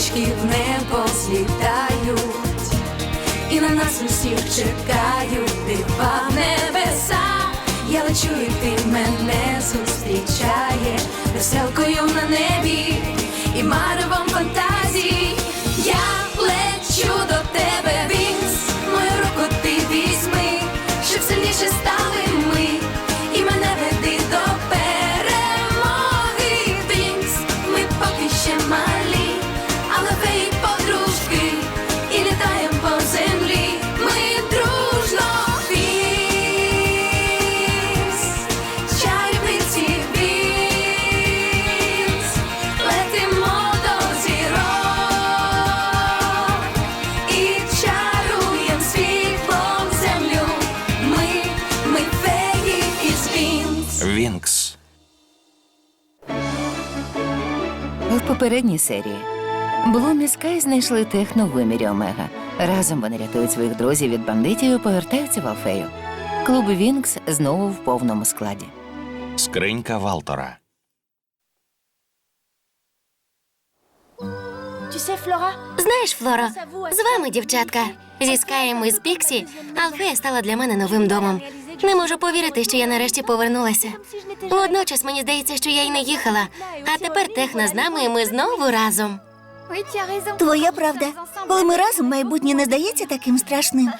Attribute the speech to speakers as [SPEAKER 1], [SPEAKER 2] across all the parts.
[SPEAKER 1] пташечки в небо злітають, і на нас усіх чекають дива в небеса. Я лечу, і ти мене зустрічає веселкою на небі і маревом фантазій. Я лечу до тебе, Вінкс, мою руку ти візьми, щоб сильніше стали ми, і мене веди до перемоги, Вінкс. Ми поки ще малі, але феї подружки, і літаєм по землі ми дружно. Вінкс, чарівниці Вінкс, летимо до зірок і чаруєм світлом землю. Ми феї із Вінкс.
[SPEAKER 2] Вінкс.
[SPEAKER 3] В попередній серії Блум і Скай знайшли техно в вимірі Омега. Разом вони рятують своїх друзів від бандитів і повертаються в Алфею. Клуб Вінкс знову в повному складі.
[SPEAKER 2] Скринька Валтора.
[SPEAKER 4] Знаєш, Флоро, з вами, дівчатка, зі Скаєм і з Піксі, Алфея стала для мене новим домом. Не можу повірити, що я нарешті повернулася. Водночас мені здається, що я й не їхала. А тепер техно з нами, і ми знову разом.
[SPEAKER 5] Твоя правда. Коли ми разом, майбутнє не здається таким страшним.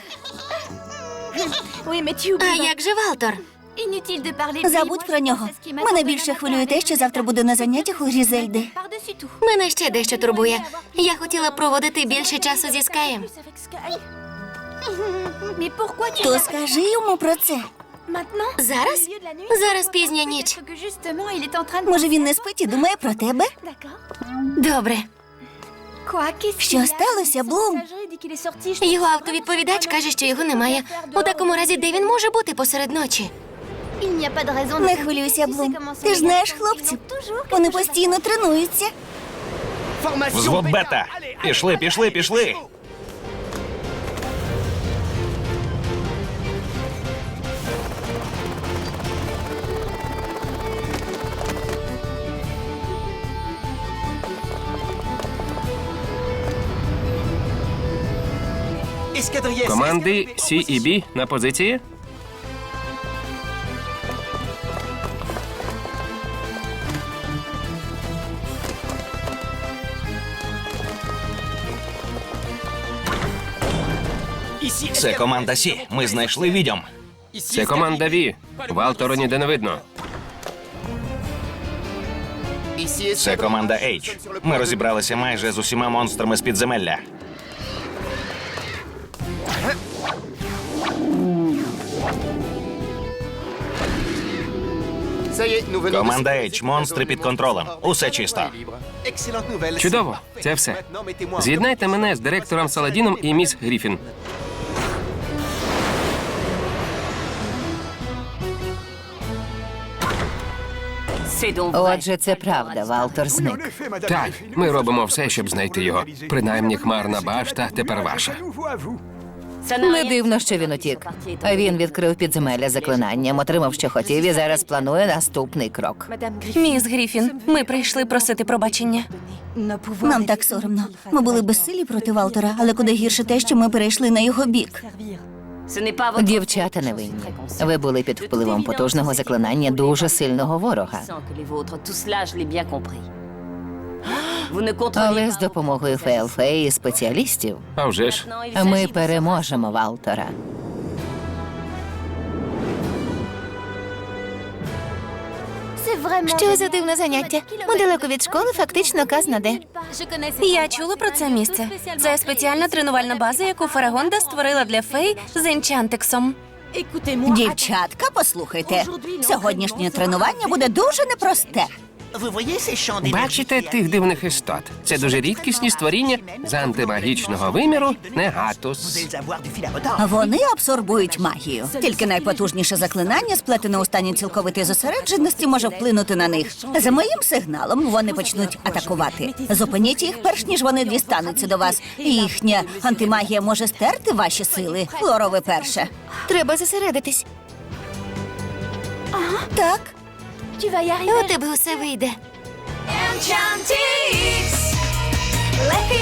[SPEAKER 4] А як же Валтор?
[SPEAKER 5] Забудь про нього. Мене більше хвилює те, що завтра буду на заняттях у Грізельди.
[SPEAKER 4] Мене ще дещо турбує. Я хотіла проводити більше часу зі Скаєм.
[SPEAKER 5] То скажи йому про це.
[SPEAKER 4] Зараз? Зараз пізня ніч.
[SPEAKER 5] Може, він не спить і думає про тебе?
[SPEAKER 4] Добре.
[SPEAKER 5] Що сталося, Блум?
[SPEAKER 4] Його автовідповідач каже, що його немає. У такому разі, де він може бути посеред ночі?
[SPEAKER 5] Не хвилюйся, Блум. Ти ж знаєш хлопців. Вони постійно тренуються.
[SPEAKER 2] Взвод Бета. Пішли, пішли, пішли.
[SPEAKER 6] Команди Сі і Бі на позиції.
[SPEAKER 2] Це команда Сі. Ми знайшли відьом.
[SPEAKER 6] Це команда Ві. Валтора ніде не видно.
[SPEAKER 2] Це команда H. Ми розібралися майже з усіма монстрами з підземелля. Команда H. Монстри під контролем. Усе чисто.
[SPEAKER 6] Чудово, це все. З'єднайте мене з директором Саладіном і міс Гріфін.
[SPEAKER 3] Отже, це правда, Валтор зник.
[SPEAKER 6] Так, ми робимо все, щоб знайти його. Принаймні, хмарна башта тепер ваша.
[SPEAKER 3] Не дивно, що він утік. Він відкрив підземелля заклинанням, отримав, що хотів, і зараз планує наступний крок.
[SPEAKER 7] Міс Гріфін, ми прийшли просити пробачення.
[SPEAKER 5] Нам так соромно. Ми були безсилі проти Валтора, але куди гірше те, що ми перейшли на його бік.
[SPEAKER 3] Дівчата невинні. Ви були під впливом потужного заклинання дуже сильного ворога. Але з допомогою Фейлфеї і спеціалістів
[SPEAKER 6] А вже ж.
[SPEAKER 3] ми переможемо Валтора.
[SPEAKER 4] Що за дивне заняття? Недалеко від школи фактично казна де.
[SPEAKER 7] Я чула про це місце. Це спеціальна тренувальна база, яку Фарагонда створила для фей з Енчантексом.
[SPEAKER 5] Дівчатка, послухайте. Сьогоднішнє тренування буде дуже непросте.
[SPEAKER 6] Бачите тих дивних істот? Це дуже рідкісні створіння з антимагічного виміру Негатус.
[SPEAKER 5] Вони абсорбують магію. Тільки найпотужніше заклинання, сплетене у стані цілковитої зосередженості, може вплинути на них. За моїм сигналом вони почнуть атакувати. Зупиніть їх, перш ніж вони дістануться до вас. Їхня антимагія може стерти ваші сили. Флоро, ви перше.
[SPEAKER 4] Треба зосередитись.
[SPEAKER 5] Так.
[SPEAKER 4] У тебе усе вийде.
[SPEAKER 1] Enchantix, легкий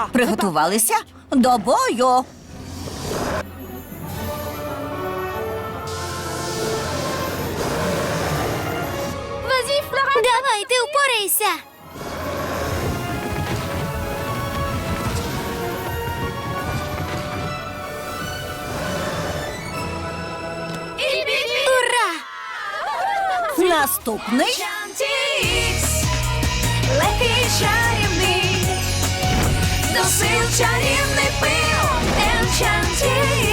[SPEAKER 5] Приготувалися до бою.
[SPEAKER 4] Давай, ти впорайся. Ура!
[SPEAKER 5] Наступний.
[SPEAKER 1] Enchantix, легкий чарівний, до сил чарівний пил. Enchantix,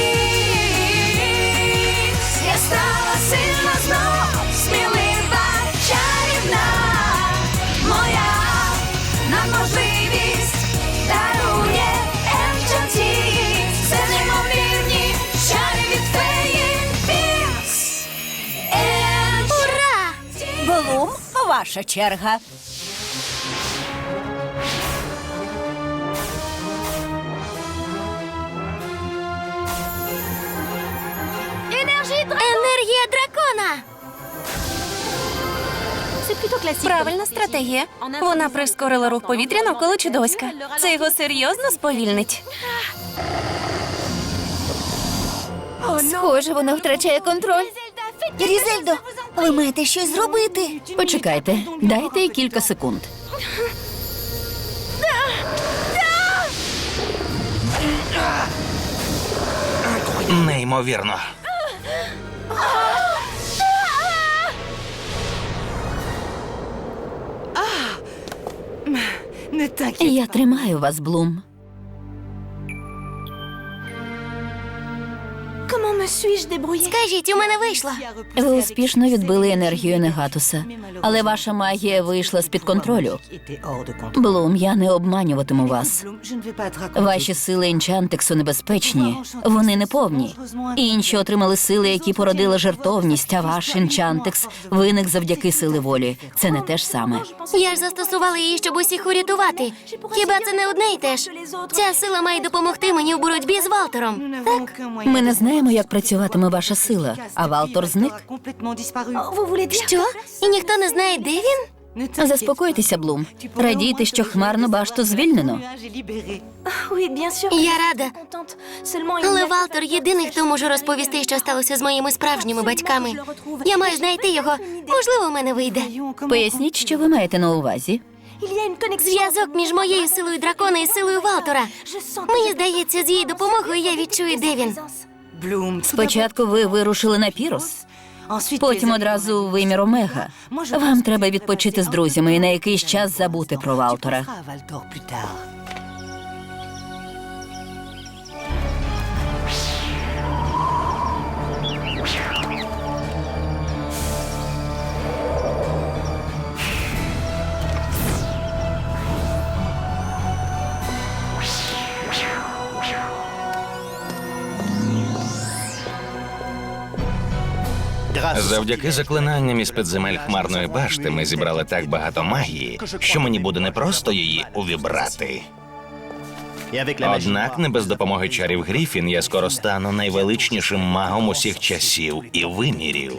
[SPEAKER 1] я стала сильна знов, смілива, чарівна, моя надможливість дарує Enchantix, це неймовірні чари від феї Вінкс.
[SPEAKER 4] Ура!
[SPEAKER 5] Блум, ваша черга.
[SPEAKER 4] Енергія дракона!
[SPEAKER 7] Правильна стратегія. Вона прискорила рух повітря навколо чудовиська. Це його серйозно сповільнить.
[SPEAKER 3] Схоже, вона втрачає контроль.
[SPEAKER 5] Різельдо, ви маєте щось зробити.
[SPEAKER 3] Почекайте, дайте їй кілька секунд.
[SPEAKER 2] Неймовірно.
[SPEAKER 3] Я тримаю вас, Блум.
[SPEAKER 4] Скажіть, у мене вийшло.
[SPEAKER 3] Ви успішно відбили енергію Негатуса, але ваша магія вийшла з-під контролю. Блум, я не обманюватиму вас. Ваші сили Енчантексу небезпечні, вони неповні. Інші отримали сили, які породили жертовність, а ваш Енчантекс виник завдяки сили волі. Це не те ж саме.
[SPEAKER 4] Я ж застосувала її, щоб усіх урятувати. Хіба це не одне й те ж? Ця сила має допомогти мені в боротьбі з Валтором. Так?
[SPEAKER 3] Ми не знаємо, як працюватиме ваша сила, а Валтор зник.
[SPEAKER 4] Що? І ніхто не знає, де він?
[SPEAKER 3] Заспокойтеся, Блум. Радійте, що хмарну башту звільнено.
[SPEAKER 4] Я рада. Але Валтор єдиний, хто може розповісти, що сталося з моїми справжніми батьками. Я маю знайти його. Можливо, в мене вийде.
[SPEAKER 3] Поясніть, що ви маєте на увазі.
[SPEAKER 4] Зв'язок між моєю силою дракона і силою Валтора. Мені здається, з її допомогою я відчую, де він.
[SPEAKER 3] Спочатку ви вирушили на Пірос, потім одразу у вимір Омега. Вам треба відпочити з друзями і на якийсь час забути про Валтора.
[SPEAKER 2] Завдяки заклинанням із підземель хмарної башти ми зібрали так багато магії, що мені буде непросто її увібрати. Однак не без допомоги чарів Гріфін я скоро стану найвеличнішим магом усіх часів і вимірів.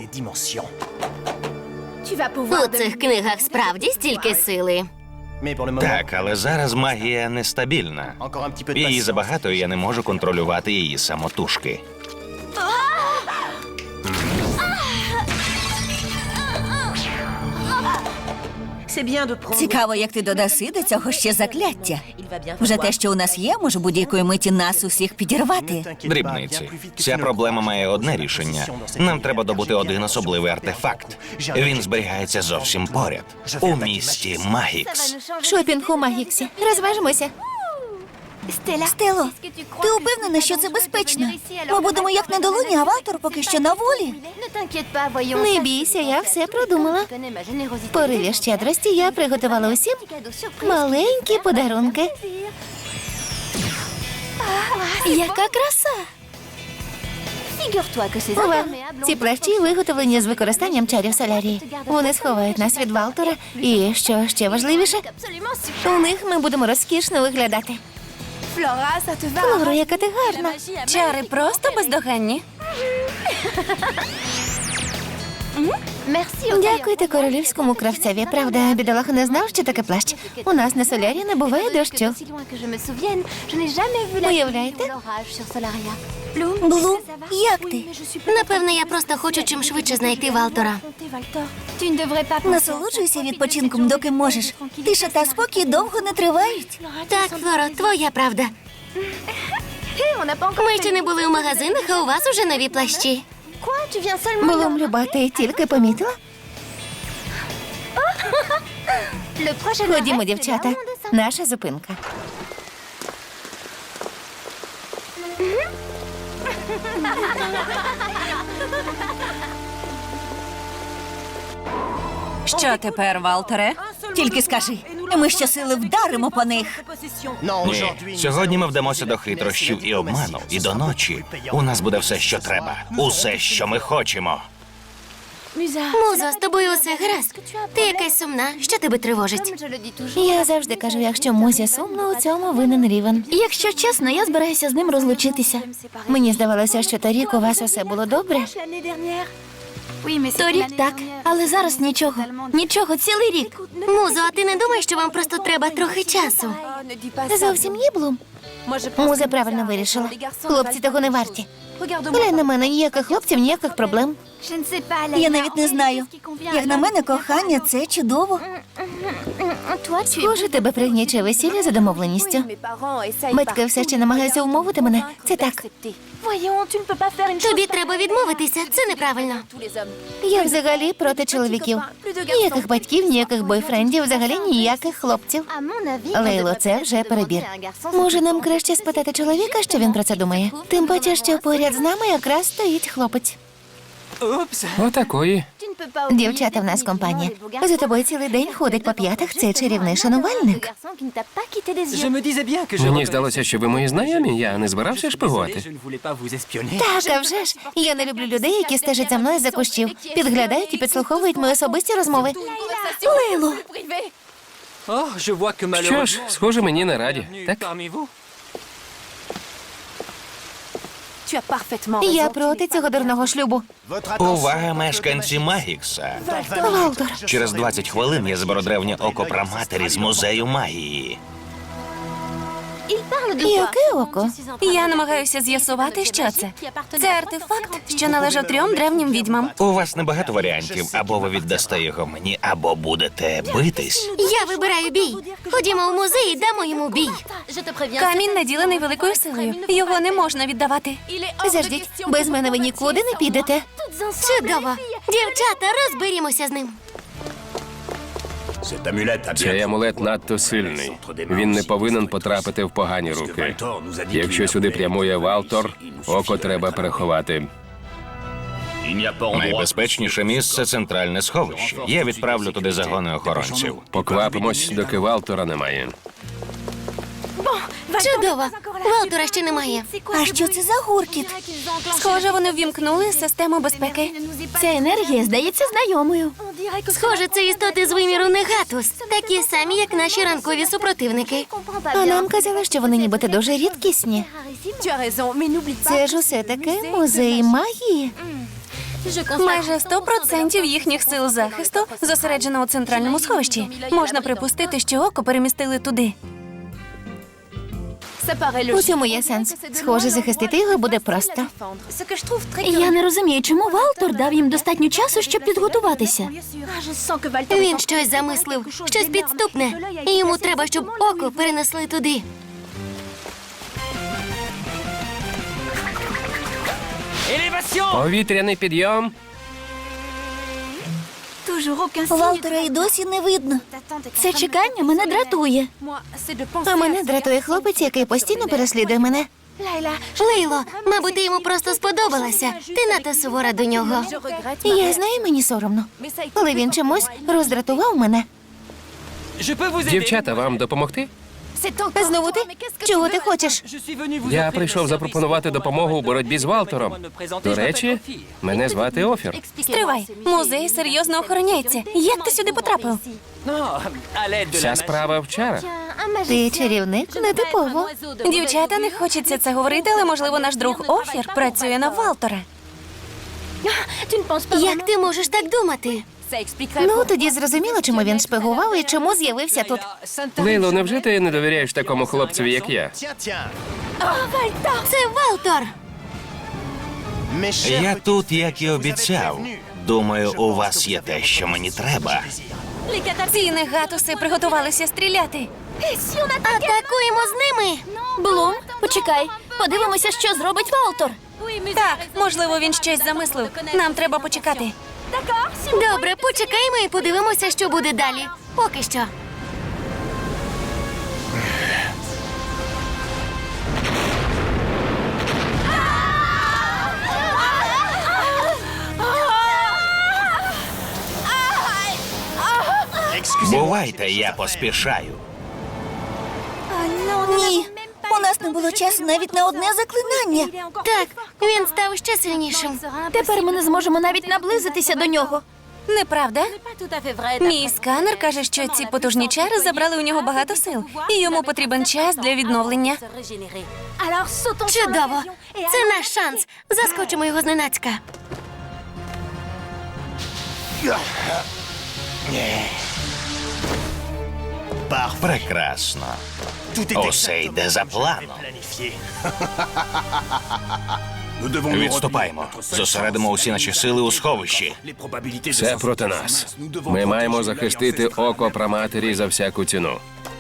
[SPEAKER 4] У цих книгах справді стільки сили.
[SPEAKER 2] Так, але зараз магія нестабільна. Її забагато, і я не можу контролювати її самотужки.
[SPEAKER 5] Цікаво, як ти додаси до цього ще закляття. Вже те, що у нас є, може будь-якої миті нас усіх підірвати.
[SPEAKER 2] Дрібниці. Ця проблема має одне рішення. Нам треба добути один особливий артефакт. Він зберігається зовсім поряд. У місті Магікс.
[SPEAKER 3] Шопінг у Магіксі. Розважимося.
[SPEAKER 5] Стело, ти упевнена, що це безпечно? Ми будемо як на долоні, а Валтор поки що на волі.
[SPEAKER 3] Не бійся, я все продумала. В пориві щедрості я приготувала усім маленькі подарунки.
[SPEAKER 4] Яка краса!
[SPEAKER 3] Ова, ці плащі виготовлені з використанням чарів солярії. Вони сховають нас від Валтора. І, що ще важливіше, у них ми будемо розкішно виглядати. Флора, яка ти гарна.
[SPEAKER 7] Чари просто бездоганні.
[SPEAKER 3] Дякуйте королівському кравцеві. Правда, бідолаха не знав, що таке плащ. У нас на солярі не буває дощу. Уявляєте?
[SPEAKER 5] Блум, як ти?
[SPEAKER 4] Напевно, я просто хочу чим швидше знайти Валтора.
[SPEAKER 5] Насолоджуйся відпочинком, доки можеш. Тиша та спокій довго не тривають.
[SPEAKER 4] Так, Флоро, твоя правда. Ми ще не були у магазинах, а у вас уже нові плащі.
[SPEAKER 3] Блум, Люба, ти тільки помітила? Ходімо, дівчата. Наша зупинка.
[SPEAKER 5] Що тепер, Валтере? Тільки скажи, ми щосили вдаримо по них.
[SPEAKER 2] Ні, сьогодні ми вдамося до хитрощів і обману, і до ночі. У нас буде все, що треба. Усе, що ми хочемо.
[SPEAKER 4] Музо, з тобою усе гаразд. Ти якась сумна. Що тебе тривожить?
[SPEAKER 3] Я завжди кажу, якщо Музі сумно, у цьому винен Рівен. Якщо чесно, я збираюся з ним розлучитися. Мені здавалося, що торік у вас усе було добре.
[SPEAKER 7] Торік так, але зараз нічого. Нічого, цілий рік.
[SPEAKER 4] Музо, а ти не думаєш, що вам просто треба трохи часу?
[SPEAKER 3] Зовсім ні, Блум. Муза правильно вирішила. Хлопці того не варті. Глянь на мене, ніяких хлопців, ніяких проблем.
[SPEAKER 5] Я навіть не знаю. Як на мене, кохання – це чудово.
[SPEAKER 3] Схоже, тебе пригнічує весілля за домовленістю. Батьки все ще намагаються умовити мене. Це так.
[SPEAKER 4] Тобі треба відмовитися, це неправильно.
[SPEAKER 3] Я взагалі проти чоловіків. Ніяких батьків, ніяких бойфрендів, взагалі ніяких хлопців. Лейло, це вже перебір. Може, нам краще спитати чоловіка, що він про це думає? Тим паче, що поряд з нами якраз стоїть хлопець.
[SPEAKER 6] Отакої.
[SPEAKER 3] Дівчата в нас компанія. За тобою цілий день ходить по п'ятах цей чарівний шанувальник.
[SPEAKER 6] Мені здалося, що ви мої знайомі, я не збирався шпигувати.
[SPEAKER 3] Так, а вже ж. Я не люблю людей, які стежать за мною за кущів, підглядають і підслуховують мої особисті розмови. Лейло!
[SPEAKER 6] Що ж, схоже, мені не раді. Так?
[SPEAKER 3] Я проти цього дурного шлюбу.
[SPEAKER 2] Увага, мешканці Магікса.
[SPEAKER 3] Валтор.
[SPEAKER 2] Через 20 хвилин я зберу древнє око праматері з музею магії.
[SPEAKER 3] Яке око?
[SPEAKER 7] Я намагаюся з'ясувати, що це. Це артефакт, що належав 3 древнім відьмам.
[SPEAKER 2] У вас небагато варіантів. Або ви віддасте його мені, або будете битись.
[SPEAKER 4] Я вибираю бій. Ходімо в музей і дамо йому бій.
[SPEAKER 7] Камінь наділений великою силою. Його не можна віддавати.
[SPEAKER 3] Заждіть, без мене ви нікуди не підете.
[SPEAKER 4] Чудово. Дівчата, розберімося з ним.
[SPEAKER 6] Цей амулет надто сильний. Він не повинен потрапити в погані руки. Якщо сюди прямує Валтор, око треба переховати.
[SPEAKER 2] Найбезпечніше місце – центральне сховище. Я відправлю туди загони охоронців.
[SPEAKER 6] Поквапимось, доки Валтора немає.
[SPEAKER 4] Чудово. Валтора ще немає.
[SPEAKER 5] А що це за гуркіт?
[SPEAKER 7] Схоже, вони ввімкнули систему безпеки.
[SPEAKER 3] Ця енергія здається знайомою.
[SPEAKER 4] Схоже, це істоти з виміру Негатус. Такі самі, як наші ранкові супротивники.
[SPEAKER 3] А нам казали, що вони нібито дуже рідкісні. Це ж усе таки музей магії.
[SPEAKER 7] Майже 100% їхніх сил захисту зосереджено у центральному сховищі. Можна припустити, що око перемістили туди.
[SPEAKER 3] У цьому є сенс. Схоже, захистити його буде просто.
[SPEAKER 7] Я не розумію, чому Валтор дав їм достатньо часу, щоб підготуватися.
[SPEAKER 4] Він щось замислив, щось підступне. І йому треба, щоб око перенесли туди.
[SPEAKER 6] Повітряний підйом.
[SPEAKER 5] Валтера і досі не видно.
[SPEAKER 3] Це чекання мене дратує. А мене дратує хлопець, який постійно переслідує мене.
[SPEAKER 4] Лейло, мабуть, ти йому просто сподобалася. Ти надто сувора до нього.
[SPEAKER 3] Я знаю, мені соромно. Але він чомусь роздратував мене.
[SPEAKER 6] Дівчата, вам допомогти?
[SPEAKER 3] Знову ти? Чого ти хочеш?
[SPEAKER 6] Я прийшов запропонувати допомогу у боротьбі з Валтором. До речі, мене звати Офір.
[SPEAKER 7] Стривай, музей серйозно охороняється. Як ти сюди потрапив?
[SPEAKER 6] Ця справа вчора.
[SPEAKER 3] Ти чарівник нетипово.
[SPEAKER 7] Дівчата, не хочеться це говорити, але, можливо, наш друг Офір працює на Валтора.
[SPEAKER 4] Як ти можеш так думати?
[SPEAKER 3] Ну, тоді зрозуміло, чому він шпигував і чому з'явився тут.
[SPEAKER 6] Лейло, невже ти не довіряєш такому хлопцеві, як я?
[SPEAKER 4] Це Валтор!
[SPEAKER 2] Я тут, як і обіцяв. Думаю, у вас є те, що мені треба.
[SPEAKER 7] Ці негатуси приготувалися стріляти.
[SPEAKER 4] Атакуємо з ними!
[SPEAKER 7] Блум, почекай. Подивимося, що зробить Валтор. Так, можливо, він щось замислив. Нам треба почекати.
[SPEAKER 4] Добре, почекаємо і подивимося, що буде далі. Поки що.
[SPEAKER 2] Бувайте, я поспішаю.
[SPEAKER 5] Ні, у нас не було часу навіть на одне заклинання.
[SPEAKER 4] Так, він став ще сильнішим.
[SPEAKER 7] Тепер ми не зможемо навіть наблизитися до нього. Неправда? Мій сканер каже, що ці потужні чари забрали у нього багато сил, і йому потрібен час для відновлення.
[SPEAKER 4] Чудово! Це наш шанс. Заскочимо його зненацька.
[SPEAKER 2] Прекрасно. Усе йде за планом. Відступаємо. Зосередимо усі наші сили у сховищі.
[SPEAKER 6] Все проти нас. Ми маємо захистити око праматері за всяку ціну.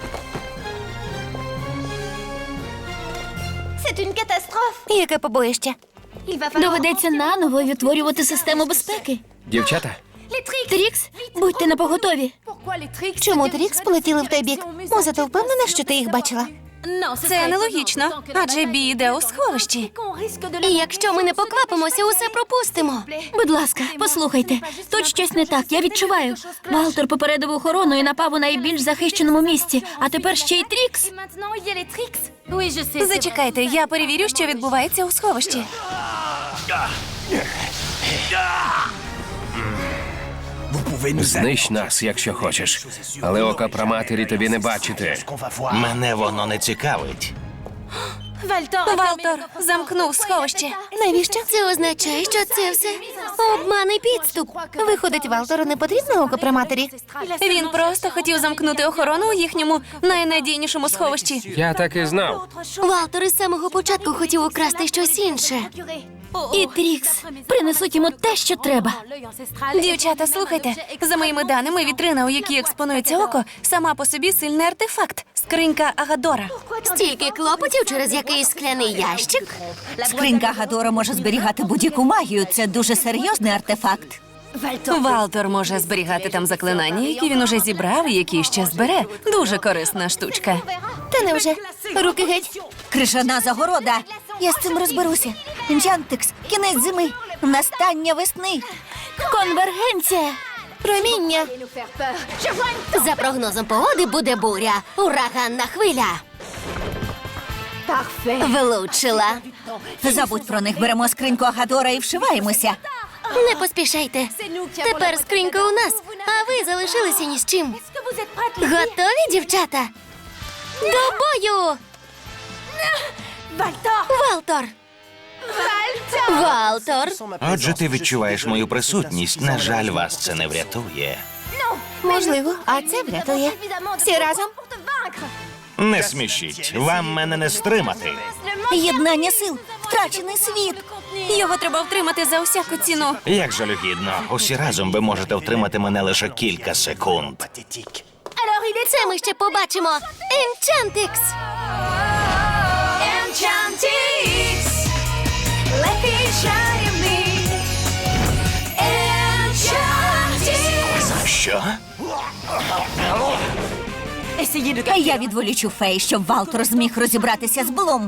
[SPEAKER 7] Яке побоїще? Доведеться наново відтворювати систему безпеки.
[SPEAKER 6] Дівчата,
[SPEAKER 7] Трікс, будьте напоготові. Чому Трікс полетіли в той бік? Муза, ти впевнена, що ти їх бачила? Це нелогічно, адже бій йде у сховищі.
[SPEAKER 4] І якщо ми не поквапимося, усе пропустимо.
[SPEAKER 8] Будь ласка, послухайте. Тут щось не так, я відчуваю. Валтор попередив охорону і напав у найбільш захищеному місці, а тепер ще й Трікс.
[SPEAKER 7] Зачекайте, я перевірю, що відбувається у сховищі.
[SPEAKER 6] знищ нас, якщо хочеш. Але ока праматері тобі не бачити.
[SPEAKER 2] Мене воно не цікавить.
[SPEAKER 7] Валтор замкнув сховище. Навіщо?
[SPEAKER 4] Це означає, що це все обман і підступ.
[SPEAKER 3] Виходить, Валтору не потрібно око при матері?
[SPEAKER 7] Він просто хотів замкнути охорону у їхньому найнадійнішому сховищі.
[SPEAKER 6] Я так і знав.
[SPEAKER 4] Валтор із самого початку хотів украсти щось інше.
[SPEAKER 8] І Трікс принесуть йому те, що треба.
[SPEAKER 7] Дівчата, слухайте. За моїми даними, вітрина, у якій експонується око, сама по собі сильний артефакт. Скринька Агадора.
[SPEAKER 4] Стільки клопотів через якийсь скляний ящик.
[SPEAKER 5] Скринька Гадора може зберігати будь-яку магію. Це дуже серйозний артефакт.
[SPEAKER 7] Валтор може зберігати там заклинання, які він уже зібрав і які ще збере. Дуже корисна штучка.
[SPEAKER 3] Та невже? Руки геть.
[SPEAKER 5] Крижана загорода. Я з цим розберуся. Інчантикс, кінець зими, настання весни.
[SPEAKER 8] Конвергенція!
[SPEAKER 3] Проміння.
[SPEAKER 4] За прогнозом погоди буде буря. Ураганна хвиля. Влучила.
[SPEAKER 5] Забудь про них, беремо скриньку Агадора і вшиваємося.
[SPEAKER 4] Не поспішайте. Тепер скринька у нас, а ви залишилися ні з чим. Готові, дівчата? До бою! Валтор! Валтор!
[SPEAKER 2] Отже, ти відчуваєш мою присутність. На жаль, вас це не врятує.
[SPEAKER 3] Можливо, а це врятує. Всі разом.
[SPEAKER 2] Не смішіть, вам мене не стримати.
[SPEAKER 5] Єднання сил, втрачений світ.
[SPEAKER 7] Його треба втримати за усяку ціну.
[SPEAKER 2] Як жалюгідно, усі разом ви можете втримати мене лише кілька секунд.
[SPEAKER 4] Це ми ще побачимо. Енчантикс!
[SPEAKER 1] Enchantix, let me shine me. Enchantix.
[SPEAKER 2] Що?
[SPEAKER 5] Я відволічу фей, щоб Валтор зміг розібратися з Блум.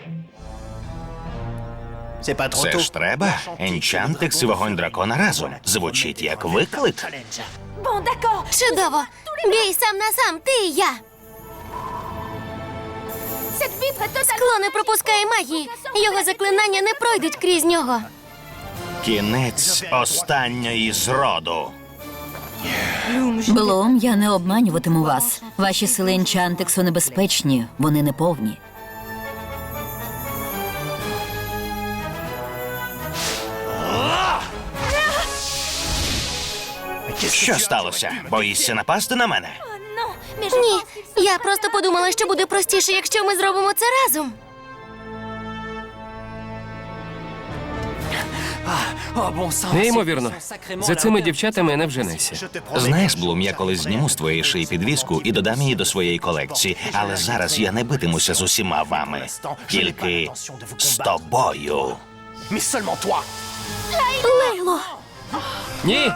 [SPEAKER 2] Це ж треба. Енчантикс і вогонь дракона разом. Звучить як виклик.
[SPEAKER 1] Bon, d'accord.
[SPEAKER 4] Чудово! Бій сам на сам, ти і я!
[SPEAKER 1] Cette vitre est totalement...
[SPEAKER 4] Скло не пропускає магії. Його заклинання не пройдуть крізь нього.
[SPEAKER 2] Кінець останньої зроду.
[SPEAKER 8] Блум, я не обманюватиму вас. Ваші сили Енчантексу небезпечні, вони неповні.
[SPEAKER 2] Що сталося? Боїшся напасти на мене?
[SPEAKER 4] Ні, я просто подумала, що буде простіше, якщо ми зробимо це разом.
[SPEAKER 6] Неймовірно. За цими дівчатами не вженешся.
[SPEAKER 2] Знаєш, Блум, я колись зніму з твоєї шиї підвіску і додам її до своєї колекції. Але зараз я не битимуся з усіма вами. Тільки з тобою.
[SPEAKER 8] Лейло!
[SPEAKER 6] Ні!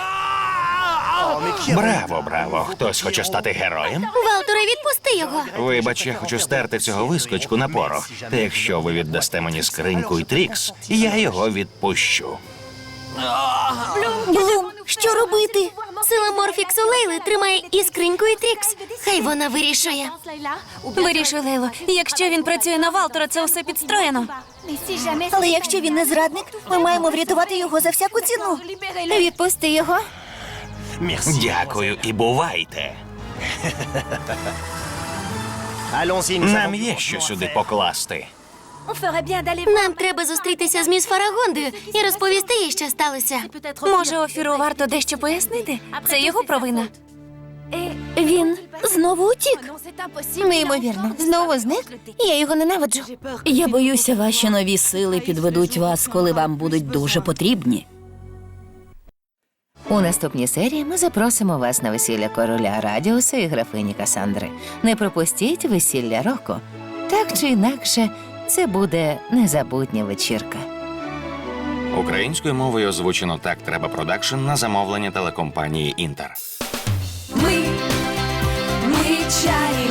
[SPEAKER 2] Браво, браво. Хтось хоче стати героєм?
[SPEAKER 4] Валтере, відпусти його.
[SPEAKER 2] Вибач, я хочу стерти цього вискочку на порох. Та якщо ви віддасте мені скриньку і Трікс, я його відпущу.
[SPEAKER 5] Блум, що робити?
[SPEAKER 4] Сила Морфіксу Лейли тримає і скриньку, і Трікс. Хай вона вирішує.
[SPEAKER 7] Вирішуй, Лейло. Якщо він працює на Валтера, це усе підстроєно.
[SPEAKER 5] Але якщо він не зрадник, ми маємо врятувати його за всяку ціну.
[SPEAKER 7] Відпусти його.
[SPEAKER 2] Дякую і бувайте. Нам є що сюди покласти.
[SPEAKER 4] Нам треба зустрітися з міс Фарагондою і розповісти їй, що сталося.
[SPEAKER 7] Може, Офіру варто дещо пояснити? Це його провина.
[SPEAKER 8] Він знову утік.
[SPEAKER 7] Неймовірно. Знову зник? Я його ненавиджу.
[SPEAKER 8] Я боюся, ваші нові сили підведуть вас, коли вам будуть дуже потрібні.
[SPEAKER 3] У наступній серії ми запросимо вас на весілля короля Радіуса і графині Касандри. Не пропустіть весілля Роко. Так чи інакше, це буде незабутня вечірка.
[SPEAKER 2] Українською мовою озвучено «Так треба продакшн» на замовлення телекомпанії «Інтер».
[SPEAKER 1] Ми чарівні.